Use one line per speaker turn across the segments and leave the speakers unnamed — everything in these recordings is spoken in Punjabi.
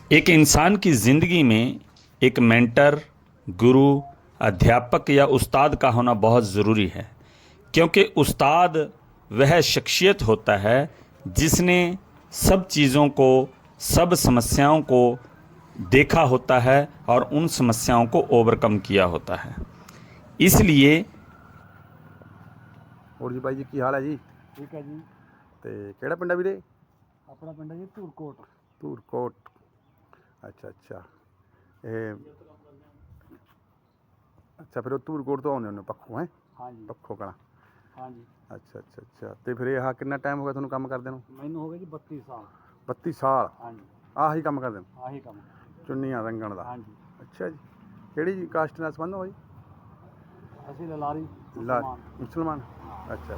एक इंसान की ज़िंदगी में एक मेंटर, गुरु, अध्यापक या उस्ताद का होना बहुत ज़रूरी है, क्योंकि उस्ताद वह शख्सियत होता है जिसने सब चीज़ों को, सब समस्याओं को देखा होता है और उन समस्याओं को ओवरकम किया होता है। इसलिए
ਹੋਰ ਜੀ ਬਾਈ ਜੀ ਕੀ ਹਾਲ ਹੈ ਜੀ?
ठीक है जी।
ਤੇ ਕਿਹੜਾ ਪਿੰਡ ਆ ਵੀਰੇ?
अपना पिंड है जी धूरकोट।
ਧੂਰਕੋਟ। ਅੱਛਾ ਇਹ ਅੱਛਾ ਫਿਰ ਉਹ ਧੂਰਕੋਟ ਤੋਂ ਆਉਂਦੇ ਹੁੰਦੇ ਪੱਖੋਂ ਹੈ?
हाँ जी
ਪੱਖੋਂ ਕਲਾਂ।
हाँ ਜੀ।
ਅੱਛਾ ਤੇ ਫਿਰ ਇਹ ਕਿੰਨਾ ਟਾਈਮ ਹੋ ਗਿਆ ਤੁਹਾਨੂੰ ਕੰਮ ਕਰਦੇ ਨੂੰ?
मैनू हो गए जी 32 साल।
32 ਸਾਲ
हाँ जी
ਆਹੀ ਕੰਮ ਕਰਦੇ ਨੂੰ?
आही कम।
ਚੁੰਨੀਆਂ ਰੰਗਣ ਦਾ?
हाँ जी
ਅੱਛਾ ਜੀ। ਕਿਹੜੀ ਕਾਸਟ ਨਾਲ ਸੰਬੰਧ ਹੋ ਜੀ?
असि ललारी
ਲਾ
मुसलमान।
ਮੁਸਲਮਾਨ। ਅੱਛਾ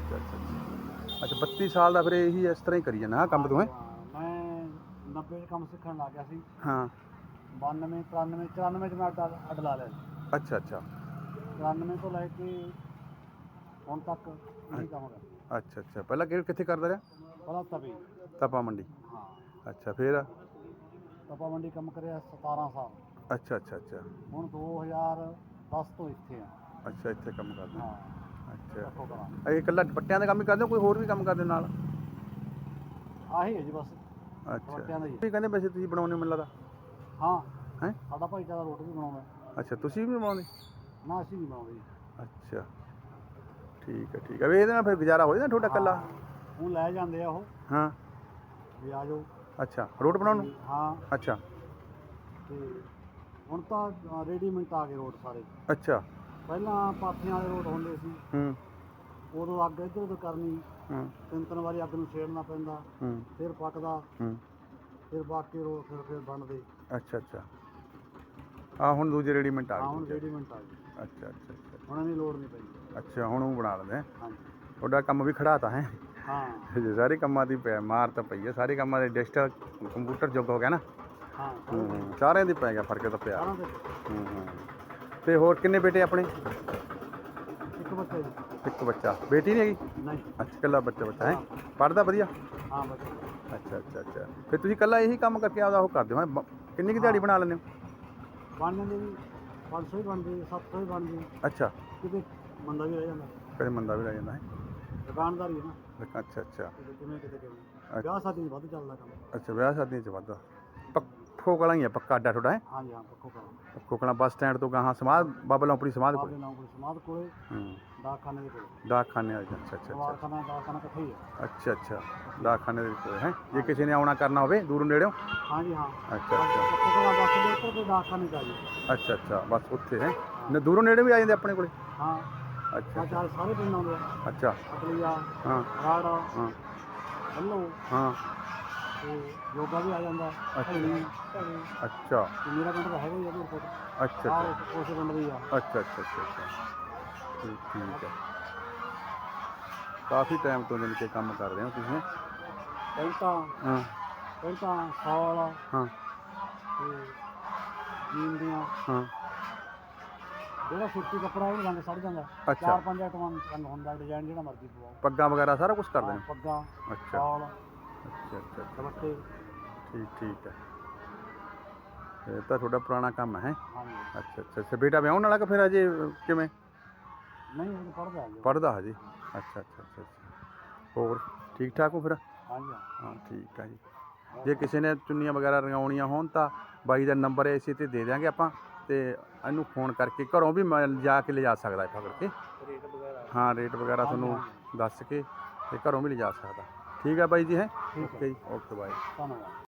32 ਸਾਲ ਦਾ ਫਿਰ ਇਹੀ ਇਸ ਤਰ੍ਹਾਂ ਹੀ ਕਰੀ ਜਾਣਾ ਕੰਮ ਤੋਂ ਹੈ?
हाँ, मैं 90 कम सीखण लग गया सी।
ਹਾਂ
92 93 94 च मैं अड ला लिया।
ਅੱਛਾ
94 तो लैके हुण तक यही काम कर।
ਅੱਛਾ ਪਹਿਲਾਂ ਕਿੱਥੇ ਕਰਦਾ ਰਿਹਾ?
पहला तभी।
ਤਪਾ ਮੰਡੀ।
हाँ
ਅੱਛਾ ਫਿਰ?
तपा मंडी कम करे 17 साल।
ਅੱਛਾ
हुण 2010 तो इत्थे आ।
ਅੱਛਾ ਇੱਥੇ ਕੰਮ ਕਰਦੇ?
हाँ
ਅੱਛਾ
पक्को करा
ਇਹ ਇਕੱਲਾ ਦੁਪੱਟਿਆਂ ਦਾ ਕੰਮ ਹੀ ਕਰਦੇ ਹੋ, ਕੋਈ ਹੋਰ ਵੀ ਕੰਮ ਕਰਦੇ ਹੋ ਨਾਲ?
आही है जी बस।
ਅੱਛਾ
ਦੁਪੱਟਿਆਂ ਦਾ ਹੀ।
ਵੀ ਕਹਿੰਦੇ ਵੈਸੇ ਤੁਸੀਂ ਬਣਾਉਂਦੇ ਹੋ ਮੈਨੂੰ ਲੱਗਦਾ
हाँ
ਹੈ?
साडा भाईचारा रोटी भी बनाउंदा।
ਅੱਛਾ ਤੁਸੀਂ ਵੀ ਬਣਾਉਂਦੇ?
ना असीं नहीं बनाउंदे जी।
ਅੱਛਾ ਠੀਕ ਹੈ ਵੀ ਇਹਦੇ ਨਾਲ ਫਿਰ ਗੁਜ਼ਾਰਾ ਹੋ ਜਾਂਦਾ ਤੁਹਾਡਾ ਇਕੱਲਾ?
ਹੁਣ ਲੈ ਜਾਂਦੇ ਆ ਉਹ
ਹਾਂ
ਵੀ ਆ ਜਾਓ।
ਅੱਛਾ ਰੋਡ ਬਣਾਉਣ ਨੂੰ?
ਹਾਂ
ਅੱਛਾ
ਤੇ ਹੁਣ ਤਾਂ ਰੈਡੀਮੇਡ ਆ ਗਏ ਰੋਡ ਸਾਰੇ।
ਅੱਛਾ
ਪਹਿਲਾਂ ਪਾਥੀਆਂ ਵਾਲੇ ਰੋਡ ਹੁੰਦੇ ਸੀ,
ਹੂੰ
ਉਦੋਂ ਅੱਗ ਇੱਧਰ ਉੱਧਰ ਕਰਨੀ,
ਹੂੰ
3 ਵਾਰੀ ਅੱਗ ਨੂੰ ਛੇੜਨਾ ਪੈਂਦਾ,
ਹੂੰ
ਫਿਰ ਪੱਕਦਾ,
ਹੂੰ
ਫਿਰ ਬਾਕੀ ਰੋਡ ਫਿਰ ਬਣਦੇ।
ਅੱਛਾ ਆ ਹੁਣ ਦੂਜੇ ਰੈਡੀਮੇਡ ਆ
ਹਾਂ ਹੁਣ
ਗਏ?
ਰੈਡੀਮੇਡ ਆ ਗਏ,
ਅੱਛਾ
ਹੁਣ ਇਹਦੀ ਲੋੜ ਨਹੀਂ ਪੈਂਦੀ।
ਅੱਛਾ ਹੁਣ ਉਹ ਬਣਾ ਲੈਂਦੇ ਹੈਂ?
ਹਾਂਜੀ
ਤੁਹਾਡਾ ਕੰਮ ਵੀ ਖੜਾਤਾ ਹੈ?
ਹਾਂ
ਜੇ ਸਾਰੇ ਕੰਮਾਂ ਦੀ ਮਾਰ ਤਾਂ ਪਈ ਹੈ, ਸਾਰੇ ਕੰਮਾਂ ਦੇ ਡਿਜੀਟਲ ਕੰਪਿਊਟਰ ਯੁੱਗ ਹੋ ਗਿਆ ਨਾ।
ਹਾਂ
ਸਾਰਿਆਂ ਦੀ ਪੈ ਗਿਆ ਫਰਕ ਤਾਂ ਪਿਆ।
ਸਾਰਿਆਂ ਦੇ
ਤੇ ਹੋਰ ਕਿੰਨੇ ਬੇਟੇ ਆਪਣੇ?
ਇੱਕ ਬੱਚਾ ਜੀ।
ਇੱਕ ਬੱਚਾ, ਬੇਟੀ ਨਹੀਂ ਹੈਗੀ?
ਨਹੀਂ
ਅੱਛਾ ਇਕੱਲਾ ਬੱਚਾ ਹੈ? ਪੜ੍ਹਦਾ ਵਧੀਆ?
ਹਾਂ ਬੱਚਾ।
ਅੱਛਾ ਫਿਰ ਤੁਸੀਂ ਇਕੱਲਾ ਇਹੀ ਕੰਮ ਕਰਕੇ ਆਪਦਾ ਉਹ ਕਰਦੇ ਹੋ ਹੈਂ? ਕਿੰਨੀ ਕੁ ਦਿਹਾੜੀ ਬਣਾ ਲੈਂਦੇ ਹੋ?
ਬਣ ਜਾਂਦੇ ਜੀ 500 ਹੀ ਬਣਦੀ, 700 ਹੀ ਬਣਦੀ।
ਅੱਛਾ
ਕਿਤੇ ਮੰਦਾ ਵੀ ਰਹਿ ਜਾਂਦਾ,
ਕਦੇ ਮੰਦਾ ਵੀ ਰਹਿ ਜਾਂਦਾ ਹੈ?
ਦੁਕਾਨਦਾਰੀ ਹੈ ਨਾ।
ਅੱਛਾ
ਕਿਤੇ ਕਿਵੇਂ ਵਿਆਹ ਸ਼ਾਦੀ 'ਚ ਵੱਧ ਚੱਲਦਾ ਕੰਮ।
ਅੱਛਾ ਵਿਆਹ ਸ਼ਾਦੀਆਂ 'ਚ ਵੱਧਦਾ। ਪੱਖੋ ਕਲਾਂ ਹੀ ਆ ਪੱਕਾ ਅੱਡਾ ਤੁਹਾਡਾ ਹੈ?
ਹਾਂਜੀ ਹਾਂ ਪੱਕੋ ਕਰਾਂ।
ਪੱਖੋ ਕਲਾਂ ਬੱਸ ਸਟੈਂਡ ਤੋਂ ਗਾਹਾਂ ਸਮਾਧ ਬਾਬਾ ਲੌਂਪੜੀ ਸਮਾਧ ਕੋਲ?
ਬਾਬੇ ਨਾਮ ਕੋਲ ਸਮਾਧ ਕੋਲੇ,
ਹੂੰ
ਡਾਕਖਾਨੇ ਦੇ ਕੋਲ।
ਡਾਕਖਾਨੇ ਵਾਲੇ? ਅੱਛਾ
ਦਵਾਖਾਨਾ ਇਕੱਠੇ ਹੀ ਹੈ।
ਅੱਛਾ ਡਾਕਖਾਨੇ ਦੇ ਕੋਲ ਹੈ? ਜੇ ਕਿਸੇ ਨੇ ਆਉਣਾ ਕਰਨਾ ਹੋਵੇ ਦੂਰੋਂ ਨੇੜਿਓਂ?
ਹਾਂਜੀ ਹਾਂ
ਅੱਛਾ
ਪੱਕੋ ਕਲਾਂ ਬੱਸ ਦੇ ਉੱਪਰ ਤੇ ਡਾਕਖਾਨੇ 'ਚ ਆ ਜੀ।
ਅੱਛਾ ਬਸ ਉੱਥੇ ਹੈ? ਦੂਰੋਂ ਨੇੜੇ ਵੀ ਆ ਜਾਂਦੇ ਆਪਣੇ ਕੋਲੇ?
ਹਾਂ
ਅੱਛਾ
ਚਾਰ ਸਾਰੇ ਪਿੰਡ ਆਉਂਦੇ ਆ।
ਅੱਛਾ
ਅਕਲੀਆ,
ਹਾਂ
ਰਾੜਾ,
ਹਾਂ
ਹੱਲੋ
ਹਾਂ
ਤੇ ਯੋਗਾ ਵੀ ਆ ਜਾਂਦਾ।
ਅੱਛਾ।
ਢਲੀ,
ਅੱਛਾ
ਤੇ ਮੇਰਾ ਪਿੰਡ ਤਾਂ ਹੈਗਾ ਹੀ ਆ ਧੂਰਕੋਟ।
ਅੱਛਾ
ਉਸੇ ਪਿੰਡ ਦੀ ਆ।
ਅੱਛਾ ਠੀਕ ਹੈ। ਕਾਫੀ ਟਾਈਮ ਤੋਂ ਜਾਣੀ ਕਿ ਕੰਮ ਕਰ ਰਹੇ ਹੋ ਤੁਸੀਂ?
ਪੈਂਟਾਂ
ਹਾਂ
ਸ਼ਾਲ
ਹਾਂ
ਤੇ ਜੀਨ ਦੀਆਂ,
ਹਾਂ
ਜਿਹੜਾ ਸੁੱਤੀ ਕੱਪੜਾ ਉਹ ਰੰਗ ਸੜ ਜਾਂਦਾ।
ਅੱਛਾ।
4-5 ਆਈਟਮਾਂ ਰੰਗ ਹੁੰਦਾ, ਡਿਜ਼ਾਈਨ ਜਿਹੜਾ ਮਰਜ਼ੀ ਪਵਾਓ।
ਪੱਗਾਂ ਵਗੈਰਾ ਸਾਰਾ ਕੁਝ ਕਰਦੇ
ਹਾਂ,
ਨੇ?
ਪੱਗਾਂ,
ਅੱਛਾ
ਸ਼ਾਲ,
ਅੱਛਾ
ਦੁਪੱਟੇ।
ਠੀਕ ਹੈ। ਇਹ ਤਾਂ ਤੁਹਾਡਾ ਪੁਰਾਣਾ ਕੰਮ ਹੈ?
ਹਾਂਜੀ
ਅੱਛਾ ਬੇਟਾ ਵਿਆਹੁਣ ਵਾਲਾ ਕਿ ਫਿਰ ਅਜੇ ਕਿਵੇਂ?
ਨਹੀਂ ਉਹ ਪੜ੍ਹਦਾ ਜੀ।
ਪੜ੍ਹਦਾ ਹਜੇ? ਅੱਛਾ ਹੋਰ ਠੀਕ ਠਾਕ ਹੋ ਫਿਰ?
ਹਾਂਜੀ
ਹਾਂ ਠੀਕ ਹੈ ਜੀ। ਜੇ ਕਿਸੇ ਨੇ ਚੁੰਨੀਆਂ ਵਗੈਰਾ ਰੰਗਾਉਣੀਆਂ ਹੋਣ ਤਾਂ ਬਾਈ ਦਾ ਨੰਬਰ ਇਸੇ 'ਤੇ ਦੇ ਦਿਆਂਗੇ ਆਪਾਂ, ਤੇ ਇਹਨੂੰ ਫੋਨ ਕਰਕੇ ਘਰੋਂ ਵੀ ਜਾ ਕੇ ਲਿਜਾ ਸਕਦਾ ਪਕੜ ਕੇ।
ਰੇਟ ਵਗੈਰਾ?
ਹਾਂ ਰੇਟ ਵਗੈਰਾ ਤੁਹਾਨੂੰ ਦੱਸ ਕੇ ਤੇ ਘਰੋਂ ਵੀ ਲਿਜਾ ਸਕਦਾ। ਠੀਕ ਹੈ ਬਾਈ ਜੀ ਹੈ? ਓਕੇ ਜੀ ਓਕੇ ਬਾਏ।
ਧੰਨਵਾਦ।